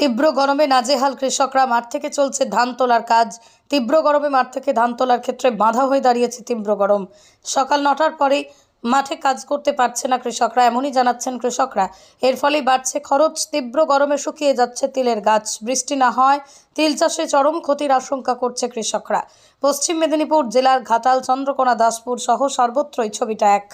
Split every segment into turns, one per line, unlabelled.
তীব্র গরমে নাজেহাল কৃষকরা। মাঠ থেকে চলছে ধান তোলার কাজ। তীব্র গরমে মাঠ থেকে ধান তোলার ক্ষেত্রে বাধা হয়ে দাঁড়িয়েছে তীব্র গরম। সকাল 9টার পরে মাঠে কাজ করতে পারছে না কৃষকরা, এমনই জানাচ্ছেন কৃষকরা। এর ফলেই বাড়ছে খরচ। তীব্র গরমে শুকিয়ে যাচ্ছে তিলের গাছ। বৃষ্টি না হয় তিল চাষে চরম ক্ষতির আশঙ্কা করছে কৃষকরা। পশ্চিম মেদিনীপুর জেলার ঘাটাল, চন্দ্রকোনা, দাসপুর সহ সর্বত্রই ছবিটা এক।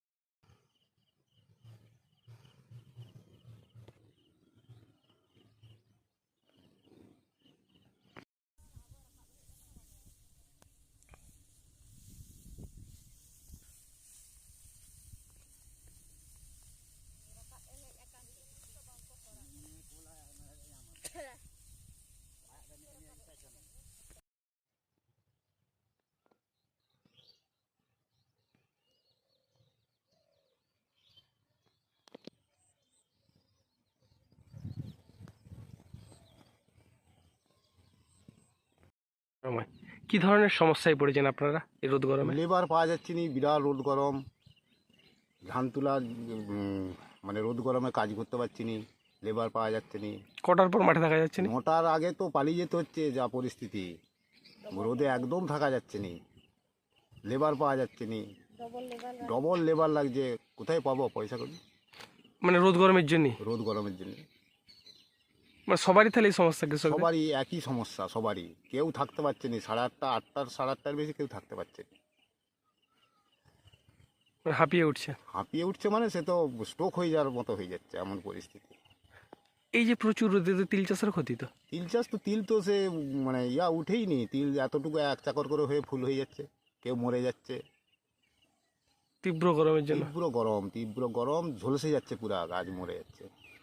সময় কি ধরনের সমস্যায় পড়েছেন আপনারা এই রোদ গরমে?
লেবার পাওয়া যাচ্ছে না, বিরাট রোদ গরম। ধান তোলা মানে রোদ গরমে কাজ করতে পারছি না, লেবার পাওয়া যাচ্ছে না।
কটার পর মাঠে দেখা যাচ্ছে না?
9টার আগে তো পালিয়ে যেতে হচ্ছে, যা পরিস্থিতি। রোদে একদম থাকা যাচ্ছে না, লেবার পাওয়া যাচ্ছে না, ডবল লেবার লাগছে। কোথায় পাবো পয়সা করি?
মানে রোদ গরমের জন্য?
রোদ গরমের জন্য
মানে সবারই তাহলে এই সমস্যা কৃষক?
সবারই একই সমস্যা, সবারই। কেউ থাকতে পারছে না, 8:30 বেশি কেউ থাকতে পারছে না।
হাঁপিয়ে উঠছে?
হাঁপিয়ে উঠছে মানে সে তো স্ট্রোক হয়ে যাওয়ার মতো হয়ে যাচ্ছে, এমন পরিস্থিতি।
এই যে প্রচুর রোদে তো তিল চাষের ক্ষতি তো।
তিল তো সে মানে উঠেই নি। তিল এতটুকু এক চাকর করে হয়ে ফুল হয়ে যাচ্ছে, কেউ মরে যাচ্ছে।
তীব্র গরমের জন্য?
তীব্র গরম ঝলসে যাচ্ছে, পুরা গাছ মরে যাচ্ছে।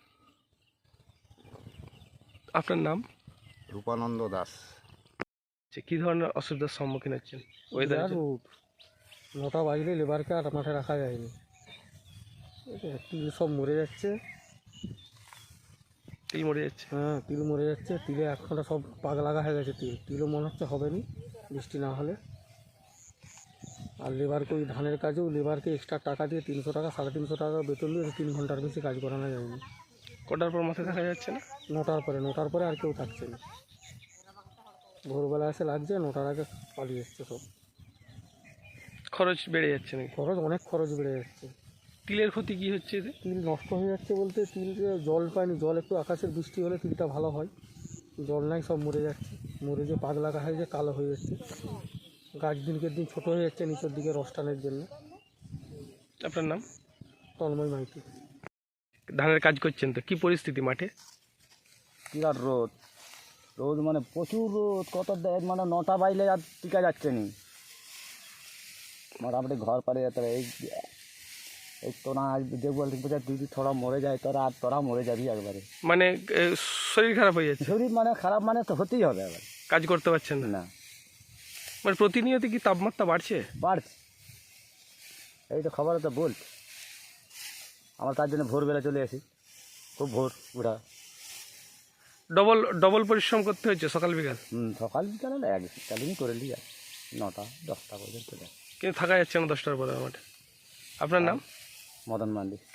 আপনার নাম?
রূপানন্দ দাস।
কি ধরনের অসুবিধার সম্মুখীন হচ্ছেন ওয়েদার?
রোদ 9টা বাজলে লেবারকে আর মাঠে রাখা যায়নি। তিল সব মরে যাচ্ছে।
তিল মরে যাচ্ছে?
হ্যাঁ, তিল মরে যাচ্ছে। তিলে একখানা সব পাক লাগা হয়ে গেছে। তিলও মনে হচ্ছে হবে নি বৃষ্টি না হলে। আর লেবারকে ওই ধানের কাজেও লেবারকে এক্সট্রা টাকা দিয়ে 300 টাকা 350 টাকা বেতন দিয়ে 3 ঘন্টার বেশি কাজ করানো যায়নি।
কটার পর মাঠে দেখা যাচ্ছে না?
9টার পরে আর কেউ থাকছে না। ভোরবেলা এসে লাগছে, 9টার আগে পালিয়ে এসছে সব।
খরচ বেড়ে যাচ্ছে নাকি?
অনেক খরচ বেড়ে যাচ্ছে।
তিলের ক্ষতি কি হচ্ছে এতে?
তিল নষ্ট হয়ে যাচ্ছে বলতে, তিল জল পায়নি। জল একটু আকাশের বৃষ্টি হলে তিলটা ভালো হয়, জল নাই, সব মরে যাচ্ছে। মরে যে পাক লাগা হয়ে যে কালো হয়ে যাচ্ছে। গাছ দিনকে দিন ছোটো হয়ে যাচ্ছে নিচের দিকে রস টানের জন্য।
আপনার নাম?
তন্ময় মাইতি।
ধানের কাজ করছেন তো, কি পরিস্থিতি মাঠে?
বিরাট রোদ। রোদ মানে প্রচুর রোদ। মানে 9টা বাজলে আর টিকা যাচ্ছে নি। মোটামুটি ঘর পারে যেতে হবে। এই তোরা দেখবো যদি থোড়া মরে যায় তোরা মরে যাবি একবারে।
মানে শরীর খারাপ হয়ে যাচ্ছে?
শরীর মানে খারাপ মানে তো হতেই হবে এবার।
কাজ করতে পারছেন না?
না,
মানে প্রতিনিয়ত কি তাপমাত্রা বাড়ছে?
বাড়ছে। এই তো খবরে তো বলছে। আমরা তার জন্য ভোরবেলা চলে আসি, খুব ভোর উঠা।
ডবল পরিশ্রম করতে হচ্ছে সকাল বিকাল?
সকাল বিকাল হলে একদিনই করে নিই, আর 9টা 10টা পর্যন্ত চলে আসি।
কিন্তু থাকা যাচ্ছে না 10টার পরে মাঠে। আপনার নাম?
মদন মান্ডি।